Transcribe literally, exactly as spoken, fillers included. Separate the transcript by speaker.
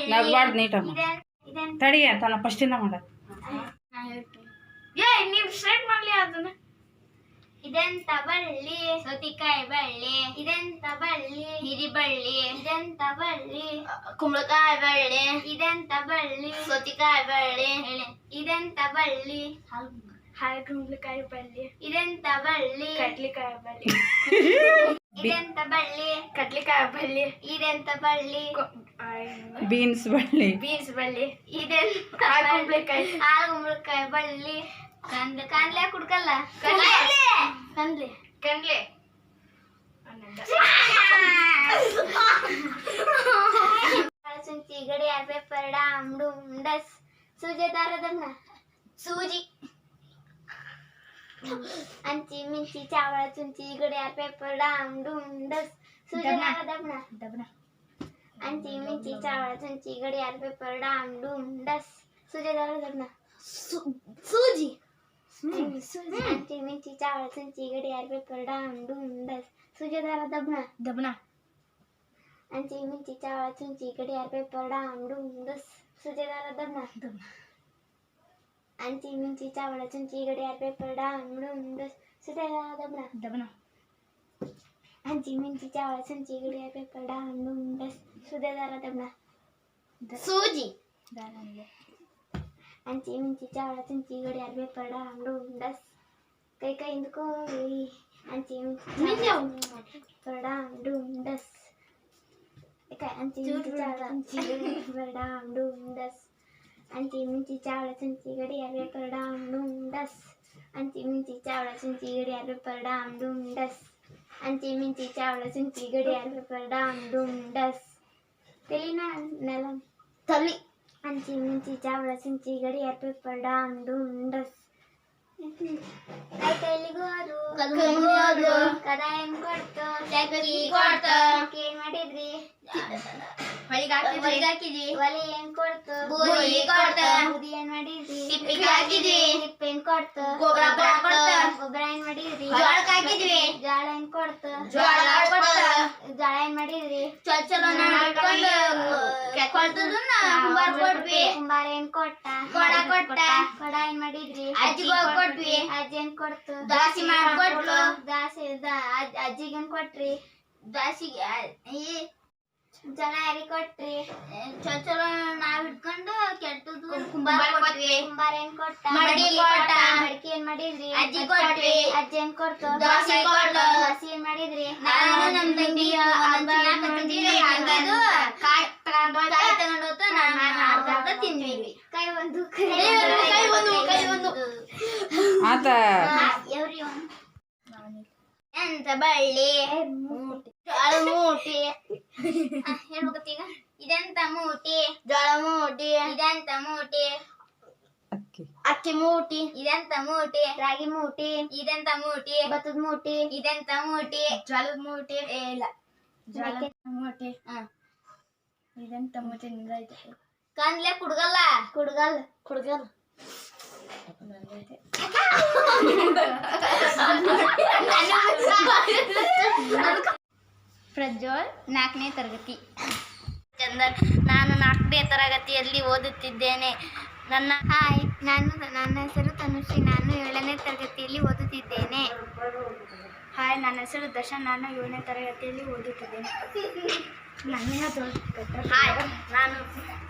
Speaker 1: ನಗ್ಬಾರ್ದು ನೀಟಮ್ಮ ತಡಿ ಅಂತ ನಾ ಫಸ್ಟಿಂದ ಮಾಡೋದು.
Speaker 2: ಏ ನೀವು ಸ್ಟ್ರೈಟ್ ಮಾಡ್ಲಿ ಅದನ್ನ. ಇದೆಂತ ಬಳ್ಳಿ ಸೌತಿಕಾಯಿ ಬಳ್ಳಿ, ಇದೆಂತ ಬಳ್ಳಿ ಹಿರಿಬಳ್ಳಿ, ಇದೆಂತ ಬಳ್ಳಿ ಕುಂಬಳಕಾಯಿ ಬಳ್ಳಿ, ಇದೆಂತ ಬಳ್ಳಿ ಸೌತಿಕಾಯಿ ಬಳ್ಳಿ, ಇದೆಂತ ಬಳ್ಳಿ ಹಾಲು ಕುಂಬಳಕಾಯಿ ಬಳ್ಳಿ, ಇದೆಂತ ಬಳ್ಳಿ ಕಡ್ಲಿಕಾಯಿ ಬಳ್ಳಿ, ಇದೆಂತ ಬಳ್ಳಿ ಕಡ್ಲಿಕಾಯಿ ಬಳ್ಳಿ, ಇದೆಂತ ಬಳ್ಳಿ
Speaker 1: ಬೀನ್ಸ್ ಬಳ್ಳಿ,
Speaker 2: ಬೀನ್ಸ್ ಬಳ್ಳಿ, ಇದೆಂತ ಕುಂಬಳಕಾಯಿ ಹಾಲು ಕುಂಬಳಕಾಯಿ ಬಳ್ಳಿ. ಕಂದ್ಲೆ ಕಂದ್ಲೆ ಕುಡ್ಕಲ್ಲ ಕಂದ್ಲೆ ಕಂದ್ಲೆ ಕಂದ್ಲೆ ಸುಂಚಿ ಗಡಿಯಾರ ಪೇಪರ್ ಡಾಮ್ ಡೂಮ್ ಡಸ್ ಸೂಜಿ ದಾರದನ್ನ ಸೂಜಿ ಅಂಚಿ ಮಿಂಚಿ ಚಾವಳ ಚುಂಚಿ ಗಡಿಯಾರ ಪೇಪರ್ ಡಾಮ್ ಡೂಮ್ ಡಸ್ ಸೂಜಿ ದಾರದನ್ನ ದಬ್ನ ಅಂಚಿ ಮಿಂಚಿ ಚಾವಳ ಚುಂಚಿ ಗಡಿಯಾರ ಪೇಪರ್ ಡಾಮ್ ಡೂಮ್ ಡಸ್ ಸೂಜಿ ದಾರದನ್ನ ಸೂಜಿ ಅಂಚಿ ಮಿಂಚಿ ಚಾವಳ ಚುಂಚಿ ಗಡಿಯಾರ ಪೇಪರ್ ಡಾಮ್ ಡೂಮ್ ಡಸ್ ಸೂಜಿ ದಾರ ದಬ್ನ ದಬ್ನ ಅಂಚಿ ಮಿಂಚಿ ಚಾವಳ ಚುಂಚಿ ಗಡಿಯಾರ ಪೇಪರ್ ಡಾಮ್ ಡೂಮ್ ಡಸ್ ಸೂಜಿ ದಾರ ದಬ್ನ ದಬ್ನ ಅಂಚಿ ಮಿಂಚಿ ಚಾವಳ ಚುಂಚಿ ಗಡಿಯಾರ ಪೇಪರ್ ಡಾಮ್ ಡೂಮ್ ಡಸ್ ಸೂಜಿ ದಾರ ದಬ್ನ ದಬ್ನ ಅಂಚಿ ಮಿಂಚಿ ಚಾವಳ ಚುಂಚಿ ಗಡಿಯಾರ ಪೇಪರ್ ಡಾಮ್ ಡೂಮ್ ಡಸ್ ಸೂಜಿ ದಾರ ದಬ್ನ ಸೂಜಿ ಅಂಚಿ ಮಿಂಚಿ ಚಾವಳ ಚುಂಚಿ ಗಡಿಯಾರ ಪೇಪರ್ ಡಾಮ್ ಡೂಮ್ ಡಸ್ ಕೈ ಕೈ ಹಿಂದ್ಕೋರಿ ಅಂಚಿ ಮಿಂಚಿ ಪೇಪರ್ ಡಾಮ್ ಡೂಮ್ ಡಸ್ ಅಂಚಿ ಮಿಂಚಿ ಚಾವಳ ಚುಂಚಿ ಗಡಿಯಾರ ಪೇಪರ್ ಡಾಮ್ ಡೂಮ್ ಡಸ್ ಅಂಚಿ ಮಿಂಚಿ ಚಾವಳ ಚುಂಚಿ ಗಡಿಯಾರ ಪೇಪರ್ ಡಾಮ್ ಡೂಮ್ ಡಸ್ ಅಂಚಿ ಮಿಂಚಿ ಚಾವಳ ಚುಂಚಿ ಗಡಿಯಾರ ಪೇಪರ್ ಡಾಮ್ ಡೂಮ್ ಡಸ್ ಅಂಚಿ ಮಿಂಚಿ ಚಾವಳ ಚುಂಚಿ ಗಡಿಯಾರ ಪೇಪರ್ ಡಾಮ್ ಡೂಮ್ ಡಸ್ ತೆಲಿನ ನೆಲ ತಲಿ ಅಂಚಿ ಮಿಂಚಿ ಚಾವಳ ಚುಂಚಿ ಗಡಿಯಾರ ಪೇಪರ್ ಡಾಮ್ ಡೂಮ್ ಡಸ್ ಕೈಲಿಗೋರು ಕದ ಏನ್ ಕೊಡ್ತು ಏನ್ ಮಾಡಿದ್ರಿ ಹಾಕಿದ್ರಿ ಒಲಿ ಏನ್ ಕೊಡ್ತು ಬೂದಿ ಏನ್ ಮಾಡಿದ್ರಿ ಹಿಪ್ಪೇನ್ ಕೊಡ್ತು ಗೊಬ್ಬರ ಏನ್ ಮಾಡಿದ್ರಿ ಜಾಳ ಏನ್ ಕೊಡ್ತು ಜಾಳ ಏನ್ ಮಾಡಿದ್ರಿ ಕುಂಬಾರ ಏನ್ ಕೊಟ್ಟ ಕೊಡ ಏನ್ ಮಾಡಿದ್ರಿ ಅಜ್ಜಿ ಏನ್ ಕೊಡ್ತು ದಾಸಿ ಮಾಡ್ಕೊಟ್ಲು ದಾಸಿ ಅಜ್ಜಿಗೇನ್ ಕೊಟ್ರಿ ದಾಸಿಗೆ ಜನ ಯಾರಿಗೆ ಕೊಟ್ರಿ ಚಲೋ ಚಲೋ ನಾವ್ ಇಟ್ಕೊಂಡು ಕೆಟ್ಟದ್ದು ಕುಂಬಾರ ಕೊಟ್ವಿ ಕುಂಬಾರ ಏನ್ ಕೊಟ್ಟ ಮಡಕಿ ಕೊಟ್ಟ ಮಡಕಿ ಏನ್ ಮಾಡಿದ್ರಿ ಅಜ್ಜಿ ಕೊಟ್ವಿ ಅಜ್ಜಿ ಏನ್ ಕೊಡ್ತು ದೋಸೆ ಕೊಟ್ಲು ದೋಸೆ ಏನ್ ಮಾಡಿದ್ರಿ ನಾನು ನಮ್ ತಂಗಿ ಕಾಯಿ ತಗೊಂಡು ಕಾಯಿ ತಗೊಂಡು ಹೋಗ್ತಾ ನಾನು ತಿಂದ್ವಿ ಕೈ ಒಂದು ಕೈ ಒಂದು ಕೈ ಒಂದು
Speaker 1: ಆತ
Speaker 2: ಎವ್ರಿ ಒನ್ ಎಂತ ಬಳ್ಳಿ ಜೋಳ ಮೂಟಿ ಹೇಳ್ಬೇಕೀಗ ಇದೆಂತ ಮೂಟಿ ಜೋಳ ಮೂಟಿ ಇದೆಂತ ಮೂಟಿ
Speaker 1: ಅಕ್ಕಿ
Speaker 2: ಅಕ್ಕಿ ಮೂಟಿ ಇದೆಂತ ಮೂಟಿ ರಾಗಿ ಮೂಟಿ ಇದೆಂತ ಮೂಟಿ ಭತ್ತದ ಮೂಟಿ ಇದೆಂತ ಮೂಟಿ ಜೋಳದ ಮೂಟಿ ಇಲ್ಲ ಜೋಳದ ಮೂಟಿ ಹ ಇದೆಂತ ಮೂಟಿ ನಿಂದೈತೆ ಕಂದ್ಲೆ ಕುಡ್ಗಲ್ಲ ಕುಡ್ಗಲ್ ಕುಡ್ಗಲ್ ಪ್ರಜ್ವಲ್ ನಾಲ್ಕನೇ ತರಗತಿ. ಚಂದನ್, ನಾನು ನಾಲ್ಕನೇ ತರಗತಿಯಲ್ಲಿ ಓದುತ್ತಿದ್ದೇನೆ. ನನ್ನ ಹಾಯ್, ನಾನು ನನ್ನ ಹೆಸರು ತನುಶ್ರೀ, ನಾನು ಏಳನೇ ತರಗತಿಯಲ್ಲಿ ಓದುತ್ತಿದ್ದೇನೆ. ಹಾಯ್, ನನ್ನ ಹೆಸರು ದರ್ಶನ್, ನಾನು ಏಳನೇ ತರಗತಿಯಲ್ಲಿ ಓದುತ್ತಿದ್ದೇನೆ. ಹಾಯ್, ನಾನು